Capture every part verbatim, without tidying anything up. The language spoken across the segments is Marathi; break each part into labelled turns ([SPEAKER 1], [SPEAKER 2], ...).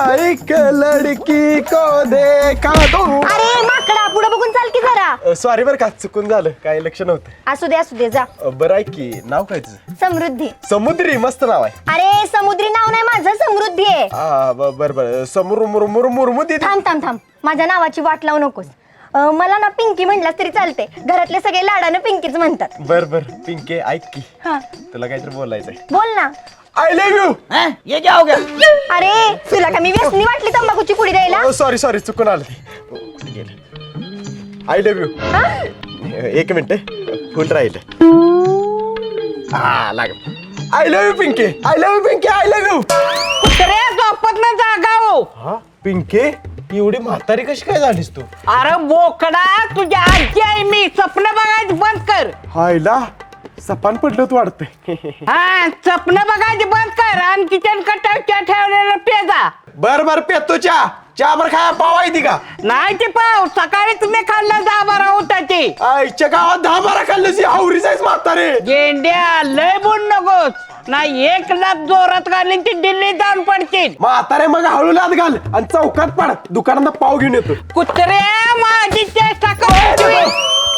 [SPEAKER 1] एक लड़की को देखा तो.
[SPEAKER 2] अरे माकडा पुढे बघून चाल की जरा.
[SPEAKER 1] सॉरी बरं का चुकून झालं काय लक्ष नव्हतं.
[SPEAKER 2] असू दे असू दे जा.
[SPEAKER 1] अ, बरं आहे की नाव काय तुझं?
[SPEAKER 2] समृद्धी.
[SPEAKER 1] समुद्री मस्त नाव आहे.
[SPEAKER 2] अरे समुद्री नाव नाही माझं समृद्धी आहे.
[SPEAKER 1] हा ब- बरं बरं समोर मुरमुर मुरमू दे.
[SPEAKER 2] थांब थांब थांब माझ्या नावाची वाट लावू नकोस. अं, मला ना पिंकी म्हणलास तरी चालते. घरातले सगळे लाडानं पिंकीच म्हणतात.
[SPEAKER 1] बर बर पिंके ऐक की
[SPEAKER 2] हा
[SPEAKER 1] तुला काहीतरी बोलायचंय.
[SPEAKER 2] बोल ना.
[SPEAKER 1] I love you.
[SPEAKER 3] ये क्या हो गया?
[SPEAKER 2] अरे तुला का मी व्यसनी वाटली तंबाखूची पुडी द्यायला.
[SPEAKER 1] सॉरी सॉरी चुकून आलं ते गेलं. I love you.
[SPEAKER 2] हा?
[SPEAKER 1] एक मिनिट फुल राहिलं. हा लाग. आय लव्ह यू पिंके. आय लव्ह यू पिंके. I love you.
[SPEAKER 3] कुत्रे झोपत ना जागा हो.
[SPEAKER 1] हा पिंके एवढी म्हातारी कशी काय झालीस तू?
[SPEAKER 3] अरे बोकडा तुझ्या आजी आहे मी. स्वप्न बघायचं बंद कर.
[SPEAKER 1] हायला सपान पडलं तू वाटतंय.
[SPEAKER 3] हा स्वप्न बघायचं बंद कर आणि किचन कटावच्या ठेवलेलं पेजा.
[SPEAKER 1] बर बर पेतो चहा चहा बर खाया पाव आहे ती का?
[SPEAKER 3] नाही ते पाव सकाळी तुम्ही खाल्लं दहा बारा होताची.
[SPEAKER 1] आईच्या गावात दहा बारा खाल्लं हावरी जायच म्हातारे.
[SPEAKER 3] गेंड्या लय बोल नकोस. नाही एक लाख जोरात घालीन ती दिल्ली जाऊन पडतील.
[SPEAKER 1] म्हातारे मग हळू लात घाल आणि चौकात पड दुकानात पाव घेऊन येतो.
[SPEAKER 3] कुत्रे माझी चेष्टा करतोय.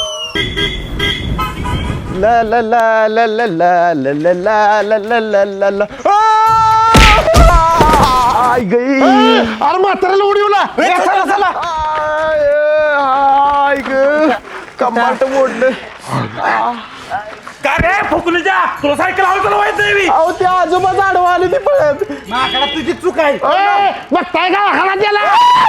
[SPEAKER 1] ला ला ला ला ला ला ला ला ला ला ला ला ला ला. आई गई. अरे म्हाताऱ्याला उडीवला. चला चला. आई ग कंबाट मोडलं.
[SPEAKER 4] काय रे फुकणीच्या तुला सायकल हवा चालवायचं नाही मी.
[SPEAKER 1] अहो ते आजोबा आडवा आले ते पळत.
[SPEAKER 4] माकडा तुझी चूक आहे.
[SPEAKER 3] बघताय का हाला गेला.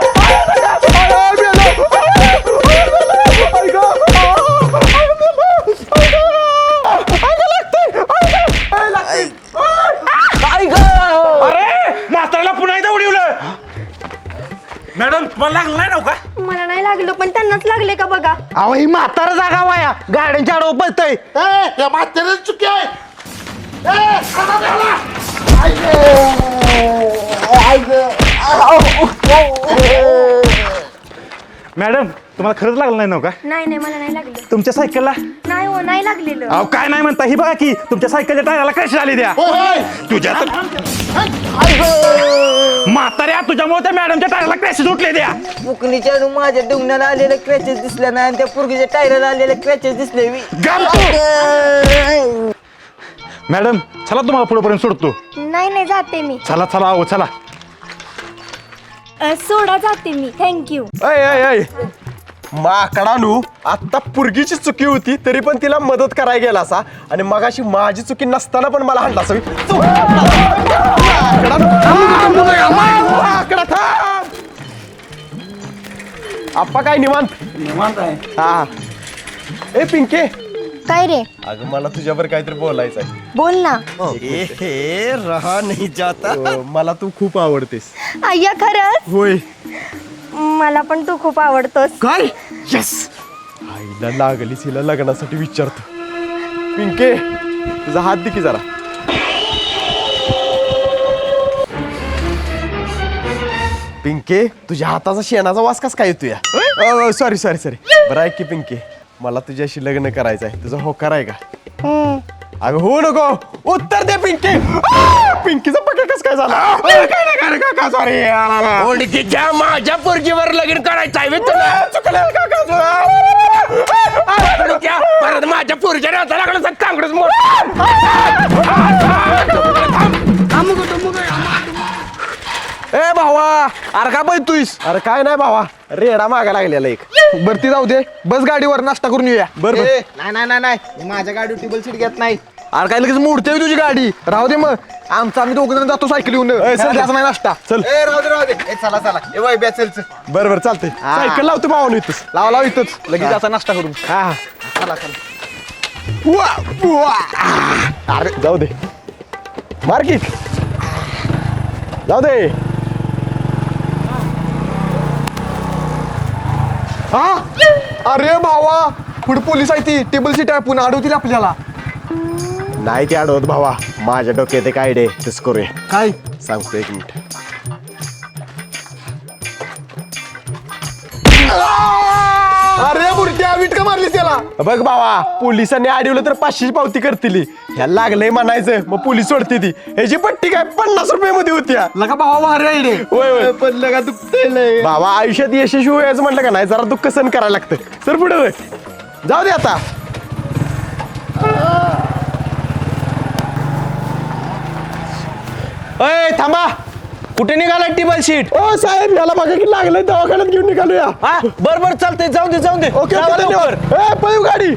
[SPEAKER 4] अरे म्हाताऱ्याला पुन्हा एकदा उडवलं. मॅडम तुम्हाला लागलं नाही नव्ह का?
[SPEAKER 2] मला नाही लागलं पण त्यांनाच लागले का बघा.
[SPEAKER 3] अहो ही म्हातारा जागा वाया गाड्यांच्या आडव पळतय.
[SPEAKER 4] चुकी आहे. मॅडम तुम्हाला खरंच लागलं नाही नव्ह का?
[SPEAKER 2] नाही नाही मला नाही लागलं.
[SPEAKER 4] तुमच्या सायकलला
[SPEAKER 2] नाही हो नाही लागलेलं.
[SPEAKER 4] अहो काय नाही म्हणता ही बघा की तुमच्या सायकलच्या टायराला क्रॅश झाली द्या. तुझ्या तर म्हाताऱ्या तुझ्यामुळे त्या मॅडमच्या टायराला क्रॅश उठले द्या.
[SPEAKER 5] फुकणीच्या माझ्या डुंगणाला आलेले क्रॅचेस दिसले नाही आणि त्या पुरगीच्या टायराला आलेले क्रॅचेस दिसले.
[SPEAKER 4] गप तू. मॅडम चला तुम्हाला पुढेपर्यंत सोडतो.
[SPEAKER 2] नाही नाही जाते मी.
[SPEAKER 4] चला चला अहो चला.
[SPEAKER 2] अं, सोडा जाते मी. थँक्यू.
[SPEAKER 1] अय अय अय माकडानू आता पुरगीची चुकी होती तरी पण तिला मदत करायला गेला असा आणि मगाशी माझी चुकी नसताना पण मला हाणला असावी. माकडा थांब. आप्पा काय निवांत
[SPEAKER 5] निवांत आहे.
[SPEAKER 1] हा. ए पिंके
[SPEAKER 2] काय रे
[SPEAKER 1] अगं मला तुझ्यावर काहीतरी बोलायचं आहे.
[SPEAKER 2] बोल ना.
[SPEAKER 1] रहा नाही जाता. मला तू खूप आवडतेस.
[SPEAKER 2] अय्या खरंच
[SPEAKER 1] होय.
[SPEAKER 2] मला पण तू खूप आवडतोस.
[SPEAKER 1] काय यस आईला लागलीच हिला लग्नासाठी विचारतो. पिंके तुझा हात दे की जरा. पिंके तुझ्या हाताचा शेणाचा वास कस काय येतो या? Sorry sorry sorry. बरं ऐक की पिंके मला तुझ्याशी लग्न करायचं आहे. तुझा होकार आहे का?
[SPEAKER 2] हम्म.
[SPEAKER 1] अगं हो नको उत्तर दे पिंके. आ! पिंकीचा पक्का कस काय झाला? अरे, काय नाही काय नाही काका सॉरी.
[SPEAKER 3] ओळखीच्या माझ्या पोरगीवर लगीन करायचं आहे
[SPEAKER 1] तुला चुकलं काका
[SPEAKER 3] तुला. परत माझ्या पोरच्या राहता लागलं तर चांगलंच मोठ.
[SPEAKER 1] ए भावा अरे का बोलतोयस? अरे काय नाही भावा रेडा मागा लागलेला एक.
[SPEAKER 6] बरती जाऊ दे बस गाडीवर नाश्ता करून येऊया.
[SPEAKER 1] बर बर.
[SPEAKER 6] नाही नाही नाही नाही माझ्या गाडी टेबल सीट घेत नाही. अरे काय लगेच मोडते तुझी गाडी. राहू दे मग आमचं आम्ही दोघ जण जातो सायकल येऊन.
[SPEAKER 1] चल.
[SPEAKER 6] नाही नाश्ता.
[SPEAKER 1] चल
[SPEAKER 6] ए राहू दे राहू दे. ए, चला चला ए वय चल चल.
[SPEAKER 1] बर बर चालतंय.
[SPEAKER 6] हा.
[SPEAKER 1] सायकल लावतो भावानं इथंच.
[SPEAKER 6] लावा लाव इथंच लगेच असा नाश्ता करून.
[SPEAKER 1] हा हा.
[SPEAKER 6] चला चला.
[SPEAKER 1] वा, वा. अरे जाऊ दे मार्किट जाऊ दे.
[SPEAKER 6] हा अरे भावा पुढे पोलीस आहे ती टेबल सीट आहे पुन्हा अडवतील आपल्याला.
[SPEAKER 1] नाही ते अडवत भावा माझ्या डोक्यात एक आयडिया आहे. तेच करूया.
[SPEAKER 6] काय
[SPEAKER 1] सांगतो एक मिनिट.
[SPEAKER 6] अरे बुरट्या वीट का मारलीस त्याला.
[SPEAKER 1] बघ बाबा पोलिसांनी अडवलं तर पाचशेची पावती करतील ह्या लागलंय म्हणायचं मग पोलीस सोडते ती ह्याची पट्टी काय पन्नास रुपये मध्ये होती
[SPEAKER 6] लगा भावा भारी आहे
[SPEAKER 1] होय होय
[SPEAKER 6] पण लगा दुखतंय
[SPEAKER 1] बाबा आयुष्यात यशस्वी व्हायचं म्हटलं का नाही जरा दुःख सहन करायला लागतं सर पुढे होय जाऊ दे आता
[SPEAKER 6] अय थांबा कुठे निघाला टेबल शीट
[SPEAKER 1] ओ साहेब याला बघा की लागलंय दवाखान्यात घेऊन निघालूया
[SPEAKER 6] हा बर बर चालतंय जाऊ दे जाऊ दे
[SPEAKER 1] ओके
[SPEAKER 6] जावा
[SPEAKER 1] ओके
[SPEAKER 6] लवकर.
[SPEAKER 1] धन्यवाद ए पळू गाडी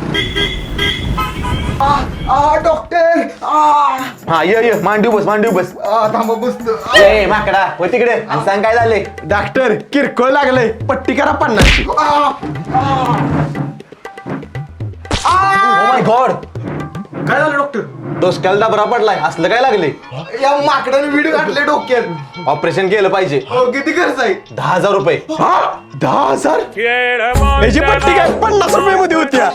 [SPEAKER 6] डॉक्टर हा ये ये मांडीव बस मांडीव बस थांबा बसतो ए माकडा हो तिकडे आणि सांग काय झाले
[SPEAKER 1] डॉक्टर किरकोळ लागलंय पट्टी करा पन्नासची
[SPEAKER 6] माय गॉड
[SPEAKER 1] काय झालं डॉक्टर
[SPEAKER 6] डोसक्याला डबरा पडलाय असलं काय लागले
[SPEAKER 1] या माकडाने व्हिडिओ घातले डोक्यात
[SPEAKER 6] ऑपरेशन केलं पाहिजे
[SPEAKER 1] किती खर्च आहे
[SPEAKER 6] दहा हजार रुपये
[SPEAKER 1] हा दहा हजार याची पट्टी काय पन्नास रुपये मध्ये होत्या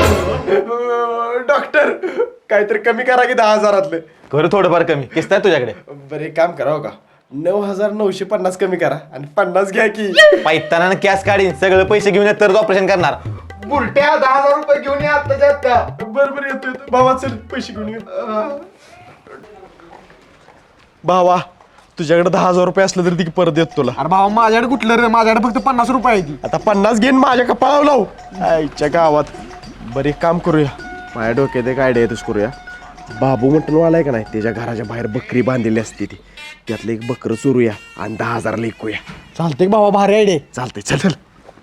[SPEAKER 1] डॉक्टर काहीतरी कमी करा की दहा हजारातले
[SPEAKER 6] खरं थोडंफार कमी किस्त आहे तुझ्याकडे
[SPEAKER 1] बरं एक काम करा हो का नऊ हजार नऊशे पन्नास कमी करा आणि पन्नास घ्या की
[SPEAKER 6] पैताना कॅश काढीन सगळं पैसे घेऊन येत तर ऑपरेशन करणार
[SPEAKER 1] बुलट्या दहा हजार रुपये घेऊन या आत्ताच्या आत्ता बरं बरं येतो येतो भावा चल पैसे घेऊन ये भावा तुझ्याकडे दहा हजार रुपये असले तरी ती परत देत तुला
[SPEAKER 6] अरे भावा माझ्याकडे कुठलं रे माझ्याकडे फक्त पन्नास रुपये आहे ती
[SPEAKER 1] आता पन्नास घेईन माझ्या कपाळावर लावू आईच्या गावात बरं एक काम करूया माझ्या डोक्यात एक आयडिया येतच करूया बाबू मटणवाला आहे का नाही त्याच्या घराच्या बाहेर बकरी बांधलेली असते ती त्यातलं एक बकरं चोरूया आणि दहा हजारला ऐकूया
[SPEAKER 6] चालतंय भावा भारी आहे रे
[SPEAKER 1] चालतंय चल चल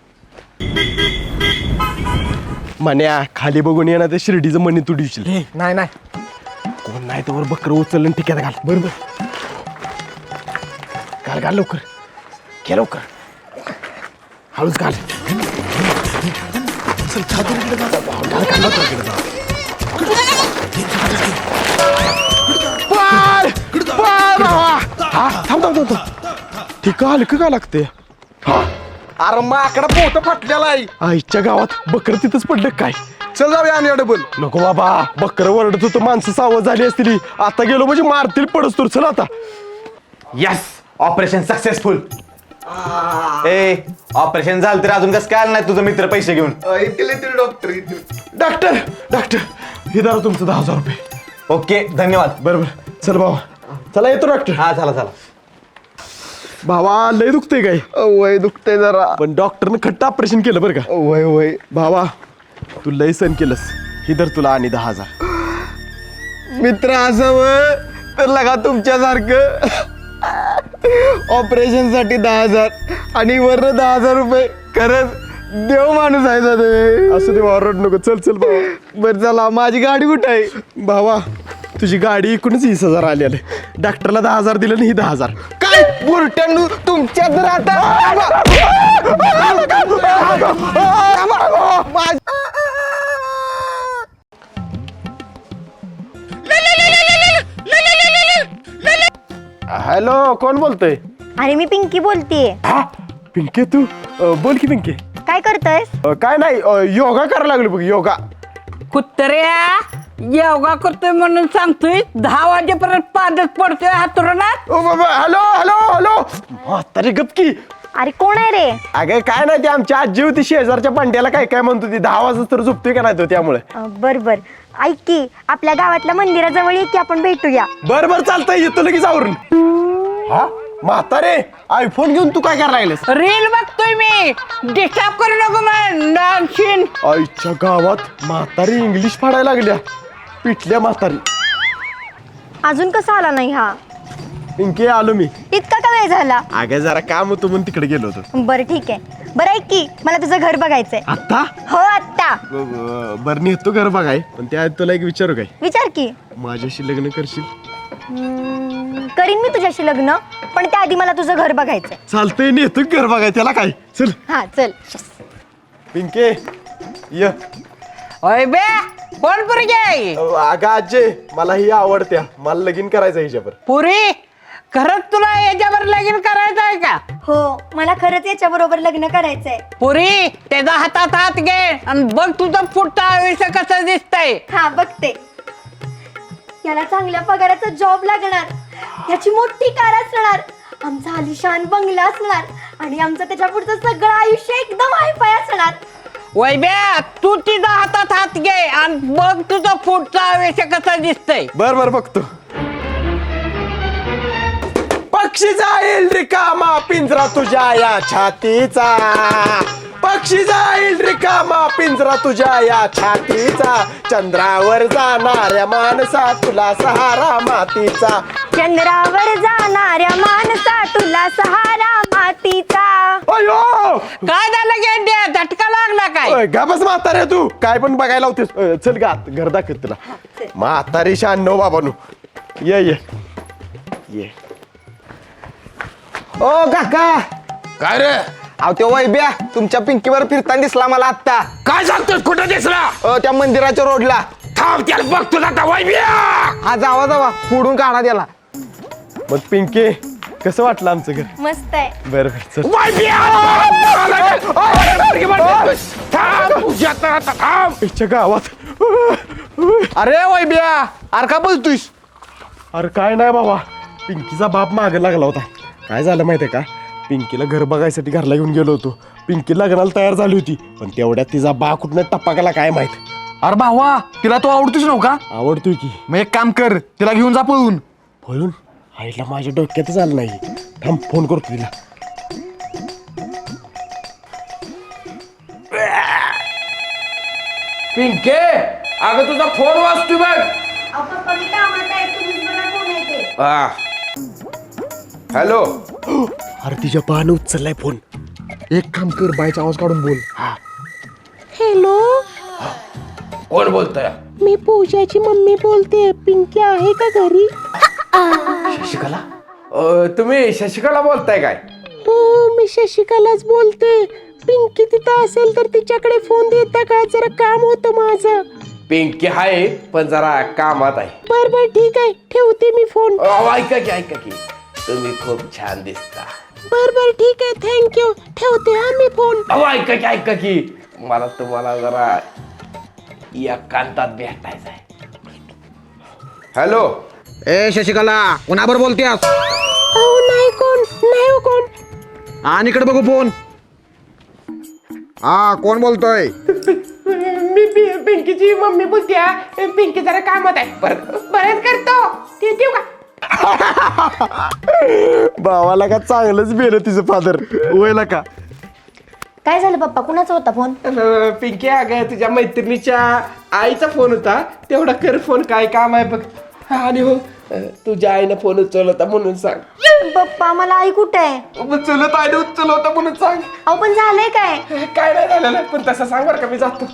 [SPEAKER 1] म्हण्या खाली बघून येणार ते शिर्डीचं मणी तू दिवशील
[SPEAKER 6] नाही नाही
[SPEAKER 1] कोण नाही तर बकरं उचललं आणि टिक्यात घाल बरोबर घाल घाल लवकर घे लवकर हळूच घाल चल, घाल, घाल, घाल, लवकर इकडे जा. पळ! पळ, भावा! हा, थांब थांब थांब थांब. ठीक आहे हलकं का लागते
[SPEAKER 6] अरे माकडा पोट फाटलेला आहे
[SPEAKER 1] आईच्या गावात बकरं तिथंच पडलं काय
[SPEAKER 6] चल जाऊया आणि डबल
[SPEAKER 1] नको बाबा बकरं वरडत होतं माणसं सावध झाली असतील आता गेलो म्हणजे मारतील पडस तर चल आता
[SPEAKER 6] यस ऑपरेशन सक्सेसफुल ए ऑपरेशन झालं तर अजून कसं काय आलं नाही तुझं मित्र पैसे घेऊन
[SPEAKER 1] डॉक्टर डॉक्टर डॉक्टर हे दारा तुमचं दहा हजार रुपये
[SPEAKER 6] ओके धन्यवाद
[SPEAKER 1] बरोबर चल भावा चला येतो डॉक्टर
[SPEAKER 6] हा चला चला
[SPEAKER 1] भावा लय दुखतंय काय
[SPEAKER 6] वय दुखतंय जरा
[SPEAKER 1] पण डॉक्टरनं खट्ट ऑपरेशन केलं बरं का
[SPEAKER 6] वय वय
[SPEAKER 1] भावा तू लय सण केलंस ही धर तुला आणि दहा हजार
[SPEAKER 6] मित्र असावं तर लगा तुमच्यासारखं ऑपरेशन साठी दहा हजार आणि वर दहा हजार रुपये खरंच देव माणूस आहे दादा
[SPEAKER 1] असं ते वारड नको चल चल भावा
[SPEAKER 6] बरं चला माझी गाडी कुठं आहे
[SPEAKER 1] भावा तुझी गाडी एकूणच वीस हजार आली आले डॉक्टरला दहा हजार दिलं आणि ही दहा हजार
[SPEAKER 6] काय बुरट्यांनू तुमच्यात
[SPEAKER 1] हॅलो कोण बोलतोय
[SPEAKER 2] अरे मी पिंकी बोलतीये
[SPEAKER 1] हा पिंके तू अं, बोल की पिंके
[SPEAKER 2] काय करतोयस
[SPEAKER 1] अं, काय नाही अं, योगा करायला लागलो बघ योगा
[SPEAKER 3] कुत्र्या योगा करतोय म्हणून सांगतोय दहा वाजेपर्यंत पादच पडतोय हातरुणात
[SPEAKER 1] ओ बाबा हॅलो हॅलो हॅलो म्हातारी गपकी
[SPEAKER 2] अरे कोण आहे रे
[SPEAKER 1] अगं काय नाही ती आमची आजी होती शेजारच्या पांड्याला काय काय म्हणतो ती दहा वाजता तर झोपतोय का नाही तो त्यामुळे
[SPEAKER 2] अं, बर बर ऐक की आपल्या गावातल्या मंदिराजवळ ये की आपण भेटूया
[SPEAKER 1] बर बर चालतंय येतो लगेच आवरून हा म्हातारे आयफोन घेऊन तू काय करायला लागलेस
[SPEAKER 3] रील बघतोय मी डिस्टर्ब करू नको मग डान्सिन
[SPEAKER 1] आईच्या गावात म्हातारी इंग्लिश फाडायला लागल्या पिटल्या म्हातारी
[SPEAKER 2] अजून कसा आला नाही हा
[SPEAKER 1] पिंके आलो मी
[SPEAKER 2] इतका का वेळ झाला
[SPEAKER 1] अगं जरा काम होतं म्हणून तिकडे गेलो होतो
[SPEAKER 2] बरं ठीक आहे बरं ऐक की मला तुझं घर बघायचंय
[SPEAKER 1] आता
[SPEAKER 2] हो आत्ता
[SPEAKER 1] बर नेतो घर बघाय पण त्या तुला एक विचारू काय
[SPEAKER 2] विचार की
[SPEAKER 1] माझ्याशी लग्न करशील
[SPEAKER 2] हम्म, करीन मी तुझ्याशी लग्न पण त्याआधी मला तुझं घर बघायचंय
[SPEAKER 1] चालतंय नेतो घर बघाय त्याला काय चल
[SPEAKER 2] हा चल
[SPEAKER 1] पिंके य
[SPEAKER 3] ओय बे कोण पुरगे
[SPEAKER 1] अगं आजे मला ही आवडत्या मला लगीन करायचं हिच्यावर
[SPEAKER 3] पुरी खरंच तुला याच्यावर लगीन करायचं आहे का
[SPEAKER 2] हो मला खरंच याच्या बरोबर लग्न करायचंय
[SPEAKER 3] पुरी त्याचा हातात हात घे आणि बघ तुझं पुढचं आयुष्य कसं दिसतंय
[SPEAKER 2] हा बघते याला चांगल्या पगाराचा जॉब लागणार याची मोठी कार असणार आमचा आलिशान बंगला असणार आणि आमचं त्याच्या पुढचं सगळं आयुष्य एकदम हायफाय असणार
[SPEAKER 3] वैब्या तू तिचा हातात हात घे आणि बघ तुझा पुढचा आवेश कसा दिसतंय.
[SPEAKER 1] बर बर बघतो. पक्षी जाईल रिकामा पिंजरा तुझ्या या छातीचा, पक्षी जाईल रिकामा पिंजरा तुझ्या या छातीचा, चंद्रावर जाणाऱ्या माणसा तुला सहारा मातीचा,
[SPEAKER 2] चंद्रावर जाणाऱ्या माणसा तुला सहारा मातीचा.
[SPEAKER 1] अयो
[SPEAKER 3] काय झालं गेंड्या, झटका लागला काय?
[SPEAKER 1] ओय, गा बस म्हातारे तू काय पण बघायला होतेस. अ, चल गा घर दाखवत तुला. म्हातारी शान बाबानू. ये ये ये.
[SPEAKER 6] ओ काका,
[SPEAKER 4] काय रे
[SPEAKER 6] अहो त्यो वैब्या तुमच्या पिंकीवर फिरताना दिसला मला आत्ता.
[SPEAKER 4] काय सांगतोस, कुठं दिसला?
[SPEAKER 6] अ, त्या मंदिराच्या रोडला.
[SPEAKER 4] थांब त्याला बघतो आता. वैब्या
[SPEAKER 6] हा जावा जावा फोडून काढा त्याला.
[SPEAKER 1] मग पिंके कसं वाटलं आमचं घर?
[SPEAKER 2] मस्त आहे.
[SPEAKER 1] बरं बरं चल.
[SPEAKER 4] वैब्या थांब तुझ्या तर आता थांब.
[SPEAKER 1] इच्छा गावात.
[SPEAKER 6] अरे वैब्या, अरे का बोलतोयस?
[SPEAKER 1] अरे काय नाही बाबा, पिंकीचा बाप मागे लागला होता. काय झालं माहितीये का, पिंकीला घर बघायसाठी घरला घेऊन गेलो होतो. पिंकी लग्नाला तयार झाली होती, पण तेवढ्यात तिचा बा कुठनं टप्पा गेला काय माहित.
[SPEAKER 6] अरे भावा, तिला तो आवडतोस नव्ह का?
[SPEAKER 1] आवडतोय की.
[SPEAKER 6] मग एक काम कर, तिला घेऊन जा पळून.
[SPEAKER 1] पळून आईला माझ्या डोक्यातच आलं नाही. थांब फोन करतो तिला.
[SPEAKER 4] पिंके, अगं तुझा फोन वाजतोय बघ.
[SPEAKER 2] पप्पा मी कामात आहे, तुम्हीच बघा कोण आहे ते.
[SPEAKER 4] हा. हॅलो.
[SPEAKER 1] अरे तिच्या बानं उचललाय फोन.
[SPEAKER 6] एक काम कर, बायचा आवाज काढून बोल.
[SPEAKER 7] हॅलो,
[SPEAKER 4] कोण बोलतोय?
[SPEAKER 7] मी पूजाची मम्मी बोलते. पिंकी आहे का घरी?
[SPEAKER 4] शशिकला. अ, तुम्ही शशिकला बोलताय काय?
[SPEAKER 7] हो, मी शशिकलाच बोलते. पिंकी तिथं असेल तर तिच्याकडे फोन देता का? जरा काम होतं माझं.
[SPEAKER 4] पिंकी आहे पण जरा कामात आहे.
[SPEAKER 7] बर बर ठीक आहे, ठेवते मी फोन.
[SPEAKER 4] अहो, ऐका की ऐका की तुम्ही खूप छान दिसता.
[SPEAKER 7] बर बर ठीक आहे, थँक्यू. ठेवते हा मी फोन.
[SPEAKER 4] अहो ऐका की ऐका की मला तुम्हाला जरा एकांतात भेटायचं आहे. हॅलो.
[SPEAKER 6] ए शशिकला, कोणाबर बोलतेस?
[SPEAKER 7] अहो नाही कोण, नाही हो कोण.
[SPEAKER 6] आणि इकडे बघू फोन. हा कोण बोलतोय?
[SPEAKER 8] मी पि- पिंकीची मम्मी बोलते. पिंकी जरा कामात आहे, परत परत करतो. ते देऊ का?
[SPEAKER 1] भावाला का चांगलंच बेलं तिचं फादर. वयला का
[SPEAKER 2] काय झालं पप्पा, कुणाचा होता फोन?
[SPEAKER 8] अ, पिंकी अगं तुझ्या मैत्रिणीच्या आईचा फोन होता, तेवढा कर फोन, काय काम आहे बघ. आणि हो अ, तुझ्या आईनं फोन उचलला होता म्हणून सांग.
[SPEAKER 2] पप्पा मला आई कुठे आहे?
[SPEAKER 8] उचलत आईने उचलला होता म्हणून सांग.
[SPEAKER 2] अहो पण झालंय काय?
[SPEAKER 8] काय नाही झालेलं, पण तसं सांग बरं का, मी जातो.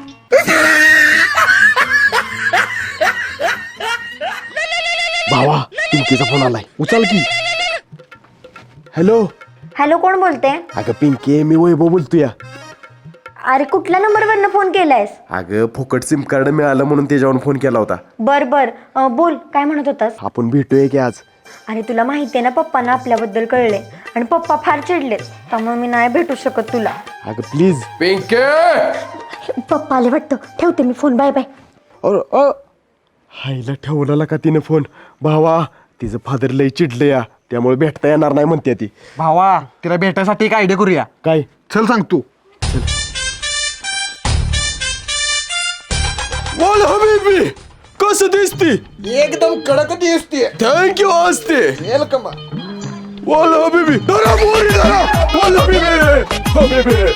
[SPEAKER 1] भावा पिंकीचा फोन आलाय, उचल की. हॅलो.
[SPEAKER 2] हॅलो, कोण बोलते?
[SPEAKER 1] अगं पिंकी, मी वैभव बोलतोय.
[SPEAKER 2] अरे कुठल्या नंबरवरनं फोन केलायस?
[SPEAKER 1] अगं फुकट सिम कार्ड मिळालं म्हणून त्याच्यावर फोन केला होता.
[SPEAKER 2] बर बर, अं, बोल काय म्हणत होतास?
[SPEAKER 1] आपण भेटूया की आज?
[SPEAKER 2] अरे तुला माहिती आहे ना, पप्पांना आपल्याबद्दल कळले आणि पप्पा फार चिडलेत, त्यामुळे मी नाही भेटू शकत तुला.
[SPEAKER 1] अगं प्लीज.
[SPEAKER 4] पिंके.
[SPEAKER 2] पप्पा आले वाटतं, ठेवते मी फोन. Bye bye.
[SPEAKER 1] अ हायला ठेवला का तिने फोन? भावा तिचं फादर लय चिडलं या, त्यामुळे भेटता येणार नाही म्हणते ती.
[SPEAKER 6] भावा, तिला भेटायसाठी एक आयडिया करूया.
[SPEAKER 1] काय?
[SPEAKER 6] चल सांग तू.
[SPEAKER 1] बोल हबीबी, कसं दिसती?
[SPEAKER 6] एकदम कडक दिसते.
[SPEAKER 1] थँक्यू असते.
[SPEAKER 6] वेलकम.
[SPEAKER 1] बोल हबीबी, धरा मोरी धरा. बोल हबीबी, हबीबी.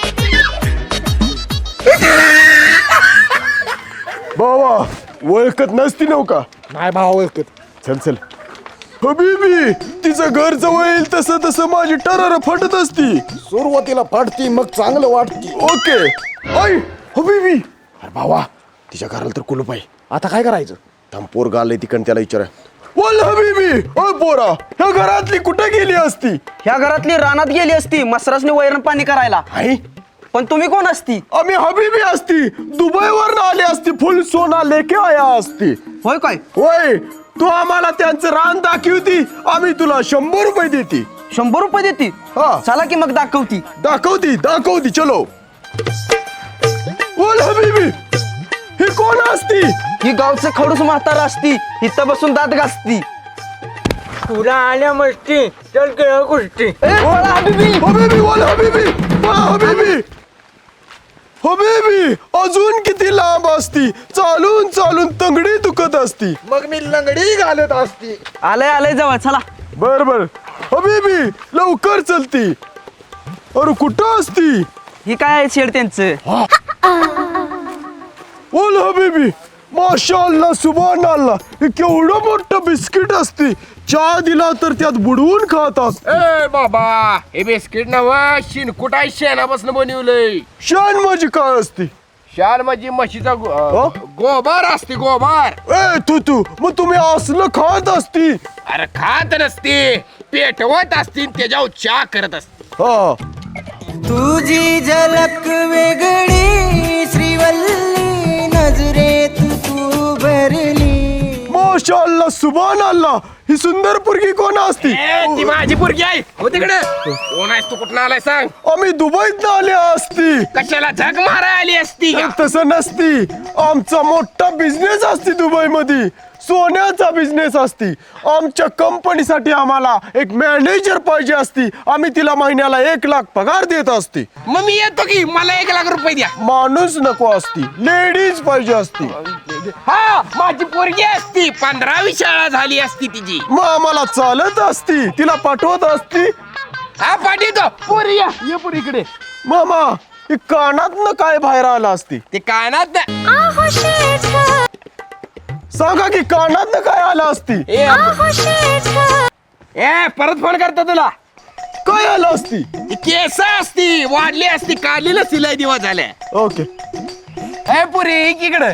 [SPEAKER 1] भावा ओळखत नसती नव का?
[SPEAKER 6] नाही भावा ओळखत.
[SPEAKER 1] चल चल. हबीबी, तिचं घर जवळ येईल तसं तसं माझी टरार फटत असती.
[SPEAKER 6] सुरुवातीला फाटती, मग चांगलं वाटती.
[SPEAKER 1] ओके. ऐ हबीबी. अरे भावा तिच्या घराला तर कुलूप आहे.
[SPEAKER 6] आता काय करायचं?
[SPEAKER 1] थांब पोरगा आलंय तिकडं, त्याला विचारा. बोल हबीबी, अ पोरा, ह्या घरातली कुठे गेली असती?
[SPEAKER 5] ह्या घरातली रानात गेली असती मसरसने वैरण पाणी करायला.
[SPEAKER 1] आई
[SPEAKER 5] पण तुम्ही कोण असती?
[SPEAKER 1] आम्ही हबीबी असती, दुबईवर आली असती, फुल सोना लेके आया असती.
[SPEAKER 5] होय काय?
[SPEAKER 1] होय, तू आम्हाला त्यांचं रान दाखवती, आम्ही तुला शंभर रुपये देती.
[SPEAKER 5] शंभर रुपये देती?
[SPEAKER 1] हा.
[SPEAKER 5] चला की मग दाखवती.
[SPEAKER 1] दाखवती दाखवती चलो. बोल हबीबी, ही कोण असती?
[SPEAKER 5] ही गावचं खडूस म्हातारा असती, इथं बसून दात घासती.
[SPEAKER 8] तुला आल्या मस्ती, चल केळ गोष्टी.
[SPEAKER 1] हबीबी, बोल हबीबी, बोल हबीबी. हो बेबी अजून किती लांब असती चालून चालून तंगडी दुखत असती
[SPEAKER 6] मग मी लंगडी घालत असती.
[SPEAKER 5] आलंय आलंय जवळ चला.
[SPEAKER 1] बर बर हो बेबी लवकर चलती. अरे कुठं असती
[SPEAKER 5] ही काय शेड त्यांचं.
[SPEAKER 1] बोल हबीबी माशाअल्लाह सुभानअल्लाह हे केवढं मोठं बिस्किट असते चहा दिला तर त्यात बुडवून खात असते.
[SPEAKER 8] ए बाबा हे बिस्किट नव शिनकुट आहे शेणापासून बनवलंय.
[SPEAKER 1] शान माझी काय असते
[SPEAKER 8] शाल म्हणजे म्हशीचा गो- अं, गोबर असते गोबर.
[SPEAKER 1] ए तू तू मग तुम्ही असलं खात असती.
[SPEAKER 8] अरे खात नसते पेटवत असतील त्याच्यावर चहा करत असते.
[SPEAKER 1] हा
[SPEAKER 5] तुझी झलक वेगळी श्रीवल्ली नजरेत तू भरली.
[SPEAKER 1] माशाअल्लाह सुभानअल्लाह ही सुंदर पोरगी कोण असती.
[SPEAKER 8] ए, ती माझी पोरगी आहे हो तिकडे. कोण आहेस तू कुठं आलाय सांग.
[SPEAKER 1] आम्ही दुबईत आले असती.
[SPEAKER 8] कशाला झक मारा आली असती का?
[SPEAKER 1] तसं नसती आमचा मोठा बिझनेस असती दुबई मध्ये सोन्याचा बिझनेस असती. आमच्या कंपनीसाठी आम्हाला एक मॅनेजर पाहिजे असती. आम्ही तिला महिन्याला एक लाख पगार देत असती.
[SPEAKER 8] मग मी येतो की मला एक लाख रुपये द्या.
[SPEAKER 1] माणूस नको असती लेडीज पाहिजे असती.
[SPEAKER 8] हा माझी पोरगी असती पंधरावी शाळा झाली असती तिची.
[SPEAKER 1] मग आम्हाला चालत असती तिला पाठवत असती.
[SPEAKER 8] हा पाठवतो पोरी या ये पोरी इकडे.
[SPEAKER 1] मामा ही कानातनं काय बाहेर आलं असती.
[SPEAKER 8] ते कानात
[SPEAKER 1] सांगा की कानातनं काय आलं असती.
[SPEAKER 8] ए ए, परत फोन करतो तुला.
[SPEAKER 1] काय आलं असती.
[SPEAKER 8] ती केस असती वाढली असती काढली नसती लय दिवस झाले.
[SPEAKER 1] ओके
[SPEAKER 8] ए पुरी इकडे.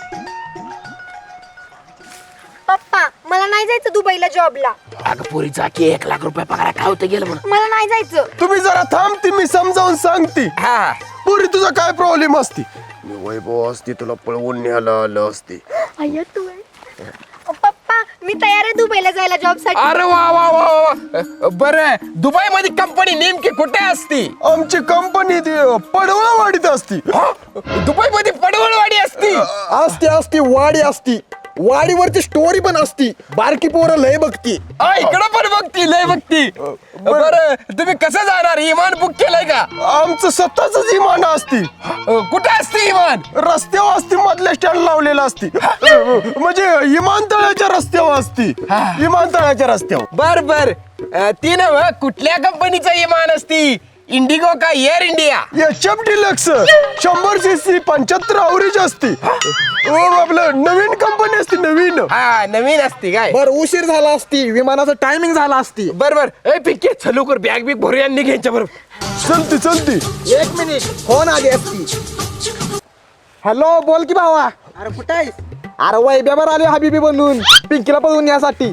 [SPEAKER 2] पप्पा मला नाही जायचं दुबईला जॉबला.
[SPEAKER 8] अगं पुरीचा की एक लाख रुपये पगार काय होतं गेलं म्हणून.
[SPEAKER 2] मला नाही जायचं.
[SPEAKER 1] तुम्ही जरा थांबती मी समजावून सांगते.
[SPEAKER 8] हा
[SPEAKER 1] पुरी तुझा काय प्रॉब्लेम असती. मी वैभव असती तुला पळवून न्यायला आलं असती.
[SPEAKER 2] अय्या तू आहे. पप्पा मी तयार आहे दुबईला जायला जॉब साठी.
[SPEAKER 8] अरे वा वा वा वा बर दुबई मध्ये कंपनी नेमकी कुठे असती.
[SPEAKER 1] आमची कंपनी पडवळवाडीत असती.
[SPEAKER 8] दुबई मध्ये पडवळवाडी असती.
[SPEAKER 6] असती असती वाडी असती. वाडीवरची स्टोरी पण असती. बारकी पोरं लय बघती.
[SPEAKER 8] हा इकडं पण बघती लय बघती. बर तुम्ही कसं जाणार इमान बुक केलंय का.
[SPEAKER 1] आमचं स्वतःच विमान असती.
[SPEAKER 8] कुठे असते इमान.
[SPEAKER 1] रस्त्यावर असती मधल्या स्टँड लावलेला असती. म्हणजे विमानतळाच्या रस्त्यावर असती. विमानतळाच्या रस्त्यावर.
[SPEAKER 8] बर बर ती नव कुठल्या कंपनीचं इमान असती. इंडिगो का Air India.
[SPEAKER 1] H F Deluxe शंभर सी सी पंच्याहत्तर अवरेज असती. ओ, आपलं नवीन कंपनी असती नवीन.
[SPEAKER 8] हा नवीन असती काय.
[SPEAKER 6] बर उशीर झाला असती. विमानाचं टायमिंग झाला असती.
[SPEAKER 8] बर बर ए पिके चलू कर बॅग बिग भरूया आणि घ्यायच्या बरोबर.
[SPEAKER 1] चलती चलती.
[SPEAKER 6] एक मिनिट फोन आली असती. हॅलो बोल की भावा. अरे कुठे आहेस. अरे वैभ्यावर आले हबीबी बनून पिंकीला पळवून यासाठी.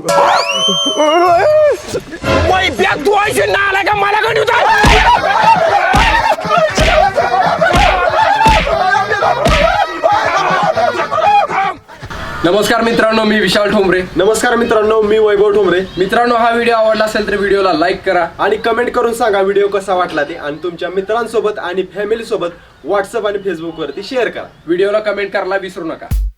[SPEAKER 8] बॅग तू ऐशी ना आला का मला गणू
[SPEAKER 9] नमस्कार मित्रांनो मी विशाल ठोंबरे.
[SPEAKER 1] नमस्कार मित्रांनो मी वैभव ठोंबरे.
[SPEAKER 9] मित्रांनो हा व्हिडिओ आवडला असेल तर व्हिडिओला लाईक करा
[SPEAKER 1] आणि कमेंट करून सांगा व्हिडिओ कसा वाटला ते आणि तुमच्या मित्रांसोबत आणि फॅमिली सोबत व्हॉट्सअप आणि फेसबुक वरती शेअर करा.
[SPEAKER 9] व्हिडिओला कमेंट करायला विसरू नका.